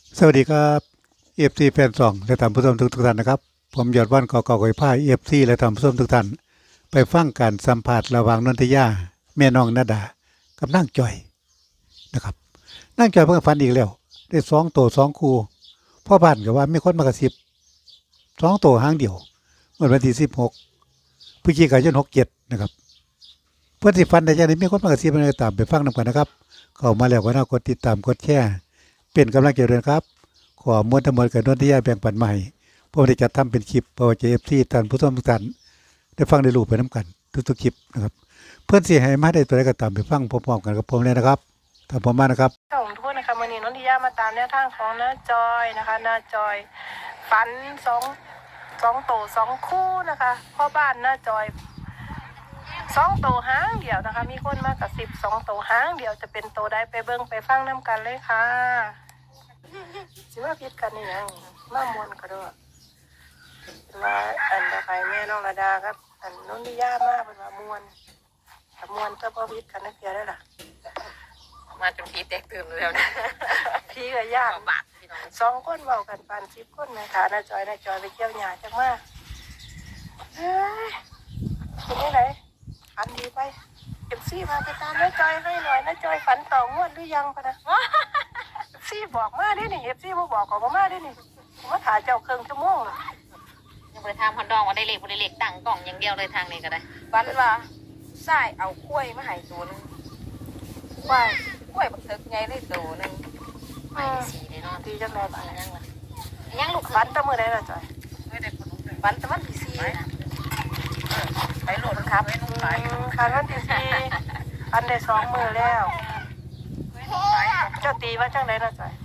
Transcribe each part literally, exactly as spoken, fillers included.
สวัสดีครับเอฟซีแฟนซองและท่านผู้ชมทุกท่านนะครับผมยอดวันกอกอกอยผ้าเอฟซีและท่านผู้ชมทุกท่านไปฟังการสัมภาษณ์ระหว่างนนทยาแม่น้องนาดากับนางจอยนะครับนางจอยเพิ่งฝันอีกแล้วได้สองตัวสองคู่พ่อบ้านก็ว่ามีคนมากระซิบสองตัวหางเดียวเมื่อวันที่สิบหกพฤศจิกายนหกเจ็ดนะครับเพื่อนที่ฝันได้ยังไงมีคนมากระซิบอะไรตามไปฟังนำกันนะครับเข้ามาแล้วก็น่ากดติดตามกดแชร์เป็นกำลังใจด้วยครับ ขอมวลทั้งหมดกับนนทิยาแบ่งปันใหม่ผมได้จัดทำเป็นคลิปเพื่อจะเอฟซีท่านผู้ชมทุกท่านได้ฟังได้รู้ไปน้ำกันทุกๆคลิปนะครับเพื่อนเสียหายมาได้ตัวใดก็ตามไปฟังพร้อมๆกันกับผมเลยนะครับตามผมมานะครับค่ะผมพูดนะคะวันนี้นนทิยามาตามแนวทางของน้าจอยนะคะน้าจอยฝันสองสองโตสองคู่นะคะพ่อบ้านน้าจอยสองโตหางเดียวนะคะมีคนมากกับสิบสองโตหางเดียวจะเป็นโตได้ไปเบิ้งไปฟังน้ำกันเลยค่ะสิว่าพิดกันนี่ยังมามวนก็ด้วยมาอันตะไคร้แม่น้องระดาครับอันนนทิยามากเป็นมามวนแต่มวนก็พอพิดกันนักเดียวได้ล่ะมาจนพีแตกตื่นแล้วนะพี่ก็ยากบาทพี่น้องสองคนเบากันปันสิบคนนะคะน้าจอยน้าจอยไปเที่ยวหยาจังมากเฮ้ยเป็นยังไงฝันดีไปเอฟซีมาไปตามน้าจอยให้หน่อยน้าจอยฝันต่องวดหรือยังปะนะเอฟซีบอกมาได้นี่เอฟซีมาบอกก็มาได้นี่ผมมาถ่ายเจ้าเครื่องชั่วโมงยังไปทำฮอนดองว่าได้เล็กบ่ได้เล็กตั้งกล่องอย่างเดียวเลยทางนี้ก็ได้ฝันว่าใส่เอากล้วยมาให้ตัวนึงกล้วยกล้วยบักเถิกไงได้ตัวนึงไปสีเลยเนาะดีจังเลยบ้านยังวะยังลูกฝันตะมือได้ละจอยฝันตะวันที่สี่ไปโหลดครับคันวันที่สี่ฝันได้สองมือแล้วเจ้าตีว่าจังไรละจอย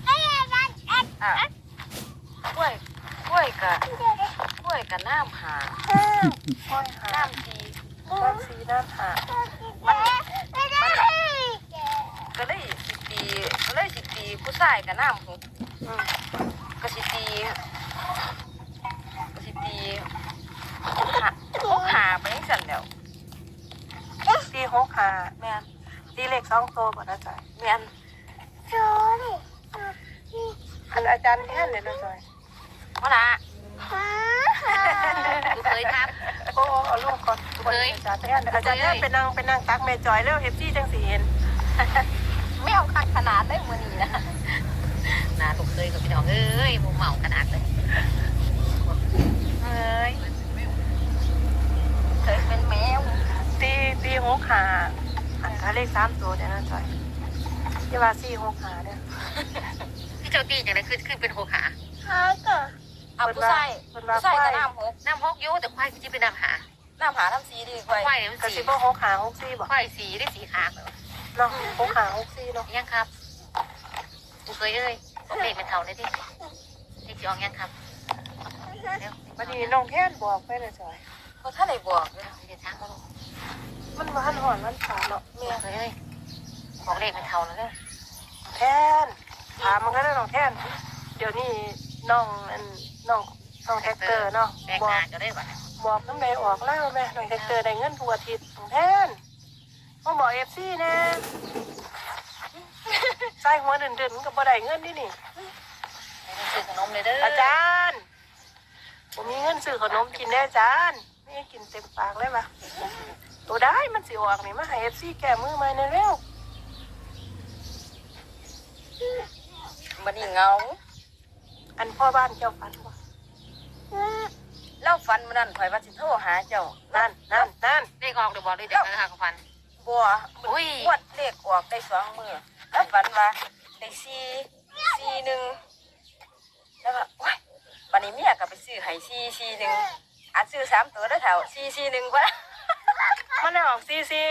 กล้วยกล้วยกะกล้วยกะน้ำหาน้ำสีน้ำสีน้ำหามันมันก็เลยสิตีก็เลยสิตีผู้ชายกะน้ำหกก็สิตีก็สิตีหาหกหาไปยังสั่นแล้วตีหกหาแม่ตีเลขสองโตก่อนนะจอยแม่นอันอาจารย์แท่นเลยนะจอยว่าละลูกเคยครับโอ้เอาลูกก่อนเคยอาจารย์แท่นอาจารย์แท่นเป็นนางเป็นนางตักแม่จอยแล้วเอฟซีจังสีเห็นไม่เอาคักขนาดได้มือนี้นะนาลูกเคยกับพี่น้องเอ้ยมูเมาขนาดเลยเอ้ยเคยเป็นแมวตีตีหกหาอันถ้าเลขสามตัวเนี่ยนะจอยยี่ว่าสี่หกหาเนี่ยที่เจ้าตีอย่างไรคือคือเป็นหกหาหาก็เอาผู้ชายผู้ชายกับน้ำหกน้ำหกยุ่แต่ควายคือที่เป็นน้ำหาน้ำหาน้ำสีดีควายควายน้ำสีก็หกหาหกสี่บอกควายสีได้สีขาเนาะหกหาหกสี่เนาะยังครับกูเคยเอ้ยบอกเด็กเป็นเท่าเลยที่เด็กจะออกยังครับวันนี้น้องแท่นบอกไปเลยจอยก็ถ้าไหนบอกเลยเดี๋ยวช้างมาลงมันบ้านหอนมันขาเนาะเมียเคยเอ้ยบอกเด็กเป็นเท่าแล้วเนี่ยแท่นถามมันก็ได้น้องแท่นเดี๋ยวนี้น้องน้องน้องแท็กเตอร์เนาะบอกก็ได้ป่ะบอกน้ำแม่ออกแล้วแม่น้องแท็กเตอร์ได้เงินทุกอาทิตย์น้องแทนมาบอกเอฟซีแน่ใส่หัวเดินเดินกับบ่ได้เงินนี่นี่ซื้อขนมเลยเด้ออาจารย์ผมมีเงินซื้อขนมกินแน่อาจารย์นี่กินเต็มปากเลยปะตัวได้มันสิออกนี่มาให้เอฟซีแก้มือมาในเร็วมันนี่เงาอันพ่อบ้านเจ้าฝันบ่เล่าฟันมันนั่นถอยมาสิโทรหาเจ้านั่นนั่นนั่นเลขออกเดี๋ยวบอกเลยเดี๋ยวหาฟันบัวอุ้ยวัดเลขออกได้สองมือแล้วฝันว่าได้สี่สี่หนึ่งแล้วก็ว้ายวันนี้เมียก็ไปซื้อให้สี่สี่หนึ่งอาจซื้อสามตัวได้แถวสี่สี่หนึ่งวะมันได้ออกสี่สี่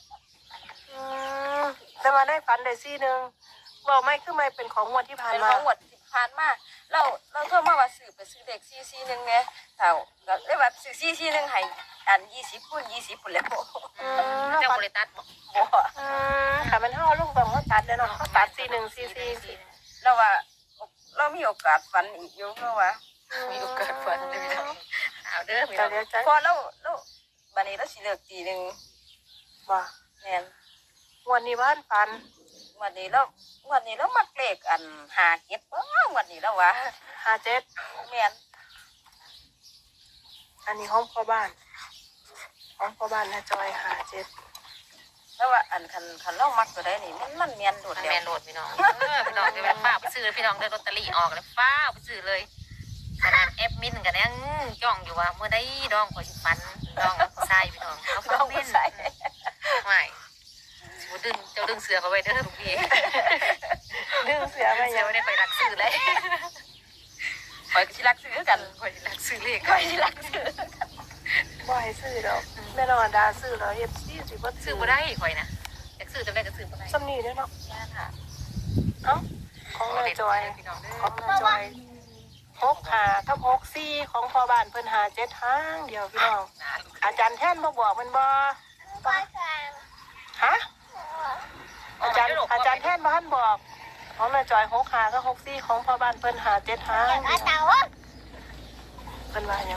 แต่มาได้ฝันได้สี่หนึ่งบอกไม่คือไม่เป็นของงวดที่ผ่านมาเป็นของงวดที่ผ่านมาเราเราโทรมาว่าซื้อไปซื้อเด็กสี่สี่หนึ่งไงแถวก็เลยว่าซื้อสี่สี่หนึ่งให้อันยี่สิบคูณยี่สิบคนแล้วเจ้าบริตัดบอกค่ะมันห่อลูกแบบเขาตัดเลยเนาะเขาตัดสี่หนึ่งสี่สี่เราว่าเรามีโอกาสฝันอีกอยู่เพราะว่ามีโอกาสฝันเด้อเอาเด้อพอเราเราบัดนี้เราสิเลิกตีหนึ่งว่าแน่นวันนี้บ้านฝันววันนี้แล้ววันนี้แล้วมักเลขอันหาเก็บเออวันนี้แล้ววะห้าเจ็ดแม่นอันนี้ห้องพ่อบ้านห้องพ่อบ้านนะจอยห้าเจ็ดแล้วว่าอันคันคันเรามักตัวใดนี่มันมันแม่นโดดมันเดียวแมนโหลดพี่น้องเออพี่น้องจะไปฟ้าไปซื้อพี่น้องได้ลอตเตอรี่ออกเลยฟ้าไปซื้อเลยขนาดแอปมินกันยังจ้องอยู่ว่าเมื่อได้ดองขอสิฟันดองใส่พี่น้องเขาฟังเล่นไม่สิดึงเจ้าดึงเสือเขาไว้เด้อทุกพี่ดึงเสียไปเสืยัอง ไม่ได้ไปรักซื้อเลยข่อยก็สิรักซื้อกันคอยรักซื้อเลขข่อยสิรักซื้อบ่ให้ซื้อดอกแม่นอนดาซื้อแล้วเอฟซีสิบ่ซื้อบ่ได้คอยนะอยากซื้อจำได้ก็ซื้อบ่ได้ซ้ำนี่เด้อเนาะแม่นค่ะเอ้าของนายจอยพี่น้องเด้ขอองนายจอยหกหากับหกสี่ของพ่อบ้านเพิ่นหาเจ็ดทางเดียวพี่น้อง อาจารย์แท่นบ่บอกมันบ่ฮะอาจารย์อาจารย์แท่นบ้านบอกของนายจอยหกหากับหกสี่ของพ่อบ้านเพิ่นหาเจ็ดทางเดียวเพิ่นว่าหยัง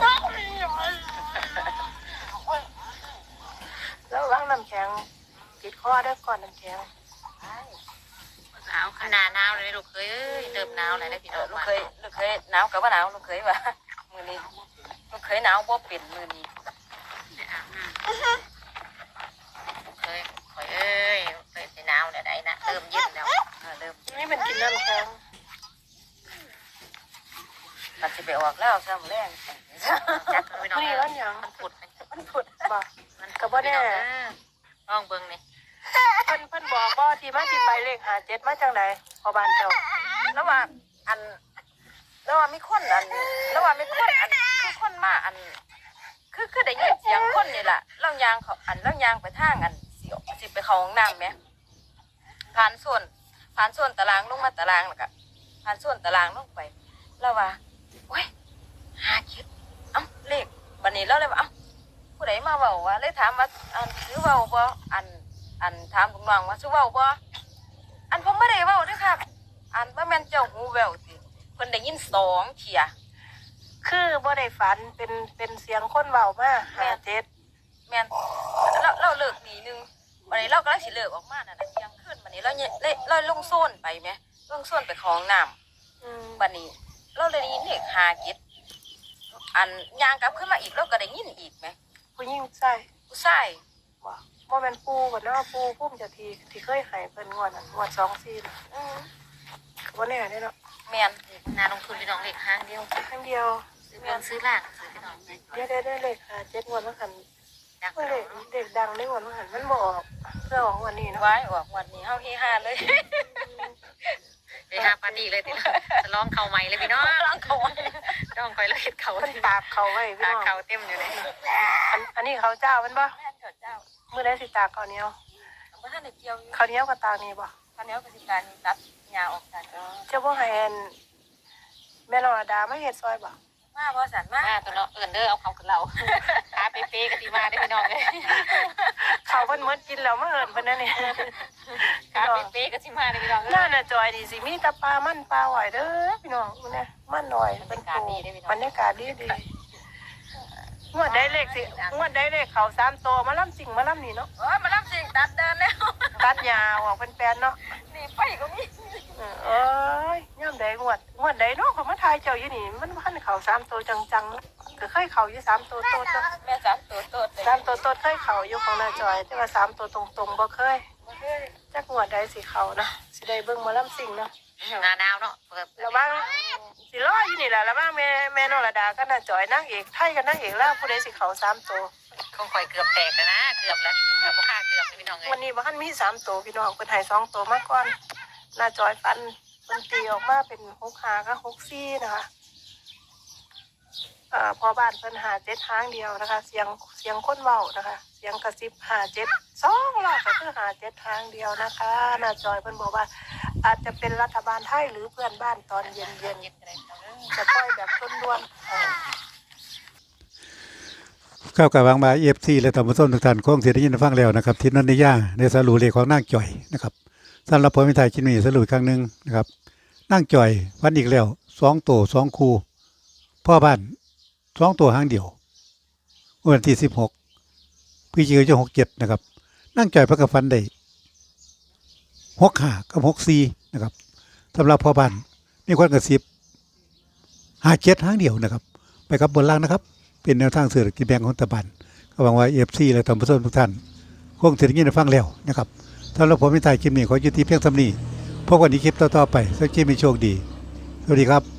แล้ววางน้ำแข็งติดคอเด้อก่อนน้ำแข็งหนาวขนาดหนาวเลยลูกเคยเอ้ยเติมหนาวเลยนะพี่เอน้ออง ลูกเคยลูกเคยหนาวกับว่าหนาวลูกเคยว่ามื้อนี้ลูกเคยหนาวบ่เป็นมื้อนี้เคยคอยเอ้ยเคยไปหนาวเนี่ยได้นะเติมเย็นแล้วเออเริ่มนี่เป็นกินน้ำแข็งมันสิไปออกแล้วซะมื้อแรงจัดพี่น้องนี่เอ้วันยหยังมันผุดมันพุดบ่มันก็บ่แน่ลองเบิ่งนี่เพิ่นเพิ่นบอกบ่ที่มาที่ไปเลขหาเจ็ดมาจังไดพ่อบ้านเจ้าแล้วว่าอันแล้วว่ามีคนอันแล้วว่ามีคนอันคือคนมาอัน คือคือได้ยินเสียงคนนี่ล่ะเล่ายางเขาอันเล่ายางไปทางอันสิสิไปเข้าห้องน้ำแหมผ่านส่วนผ่านส่วนตารางลงมาตารางแล้วก็ผ่านส่วนตารางลงไปแล้วว่าโอ้ยหาคิดเอ้าเลขบัดนี้เราเลยว่าเอ้าผู้ใดมาเว้าว่าเลยถามว่าอันซื้อเว้าบ่อันอันถามลุงน้องว่าซื้อเว้าบ่อันผมไม่ได้เว้าเด้อครับอันว่าแม่นเจ้าหูแววสิเพิ่นได้ยินสองเที่ยคือบ่ได้ฝันเป็นเป็นเสียงคนเว้ามาหาเจ็ดแม่นเราเราเลิกดีนึงวันนี้เรากำลังสิเลิกออกมาน่ะนะเที่ยงคืนวันนี้เราเนี่ยเลยเราลงโซนไปไหมลงโซนไปคลองน้ำอืมวันนี้ เราเลยได้ยินเด็กหาเก็ดอันยางกลับขึ้นมาอีกเราก็ได้ยินอีกไหมผู้หญิงใส่ผู้ชายบ่บ่แม่นปู่บ่เนาะปู่พุ่มเจะทีที่เคยให้เพิ่นงวดน่ะงวดสองสี่น่ะอืมก็บ่แน่เด้เนาะแม่นนาลงทุนพี่น้องเลขห้างเดียวครั้งเดียวซื้อเงินซื้อล่างซื้อพี่น้องเดี๋ยวได้ได้เลขหาเจ็ดงวดมันหันดักเมื่อเลขเด็กดังได้งวดมันหันมันบ่ออกเพื่อออกงวันนี้เนาะไว้ออกวันนี้เฮาเฮฮาเลยไปหาปาร์ตี้เลยทีละจะลองเข่าใหม่เลยพี่น้องล้างเขาลองคอยเลยเห็ดเขาเพิ่นตากเขาไว้พี่ตาน้องเข่าเต็มอยู่เลยอันอันนี้เขาเจ้ามันบ่แม่นเถิดเจ้ามื้อใดสิตากข้าวเหนียวบ่ทันได้เกี่ยวอยู่ข้าวเหนียวกับตากนี่บ่คันนี้ก็สิการตัดหญ้าออกกันเจ้าบ่ให้อันแม่นรดามาเฮ็ดซอยบ่มาบ่สันมามาตัวเนาะเอินเด้อเอาเขาขึ้นเราขาเป๊ะๆกันทีมาได้พี่น้องเลยเขาเพิ่นหมดกินแล้วมาเอิ้นเพิ่นนั่นนี่ขาเป๊ะๆกันทีมาได้พี่น้องน่าน่ะจอยนี่สิมีแต่ปลามันปลาหอยเด้อพี่น้องมื้อนี้มันหน่อยเป็นโตบรรยากาศดีดีงวดได้เลขสิงวดได้เลขเขาสามโตมาล่ำสิ่งมาล่ำนี่เนาะโอ้ยมารับสิ่งตัดเดินแล้วตัดยาวออกเป็นแปลนเนาะนี่ไปก็มีเออเอ้ยย่ำใดงวดงวดใดเนาะเขามาทายเจ้าอยู่นี่มันพันเขาสามโตจังๆเนาะก็เคยเขาอยู่สามโตโตเนาะแม่สามตัวโตดเลยสามโตโตเคยเขาอยู่ของนาจอยแต่ว่าสามโตตรงๆบ่เคยจักงวดใดสิเขานะสิได้เบิ่งมาล่ำสิ่งเนาะนาดาวเนาะเปิดระวังสิรออยู่นี่แหละระวังแม่แม่นรดาก็น่าจอยนางเอกไทยกับนางเอกแล้วผู้ใดสิเขาสามโตคงคอยเกือบแตกแล้วนะเกือบแล้วเกือบค่าเกือบพี่น้องเลยวันนี้บ้านมีสามโตพี่น้องเป็นไห้สองโตมาก่อนน่าจอยฟันมันตีออกมาเป็นหกหากับหกซี่นะคะอ่าพอบ้านเพิ่นหาเจ็ดทางเดียวนะคะ เสียงเสียงคนเว้านะคะ เสียงกระซิบหาเจ็ดสองรอบก็คือหาเจ็ดทางเดียวนะคะน่าจอยเพิ่นบอกว่า อาจจะเป็นรัฐบาลไทยหรือเพื่อนบ้านตอนเย็นเย็นๆจะปล่อยแบบต้นด้วนๆอ่าเข้ากับวางมาเอฟซีและท่านผู้ชมทุกท่านคงเสียได้ยินได้ฟังแล้วนะครับที่นันนิยาในสรุปเลขของนางจ่อยนะครับสำหรับผมเป็นไทยคิดมีสรุปอีกครั้งหนึ่งนะครับนางจ่อยวันอีกแล้วสองตัวสองคู่พ่อบ้านสองตัวหางเดียววันที่สิบหกพฤศจิกายนหกเจ็ดนะครับนางจ่อยพระกฟันได้หกห้ากับหกสี่นะครับสำหรับพ่อบ้านมีคนกระซิบหาเจ็ดหางเดียวนะครับไปกับบนล่างนะครับเป็นแนวทางเศรษฐกิจแบ่งของรัฐบาลก็หวังว่าเอฟซีและท่านผู้ชมทุกท่านคงจะได้ยินได้ฟังแล้วนะครับสำหรับผมในท้ายคลิปนี้ขอยุติเพียงเท่านี้พบกันในคลิปต่อๆไปสักคลิปมีโชคดีสวัสดีครับ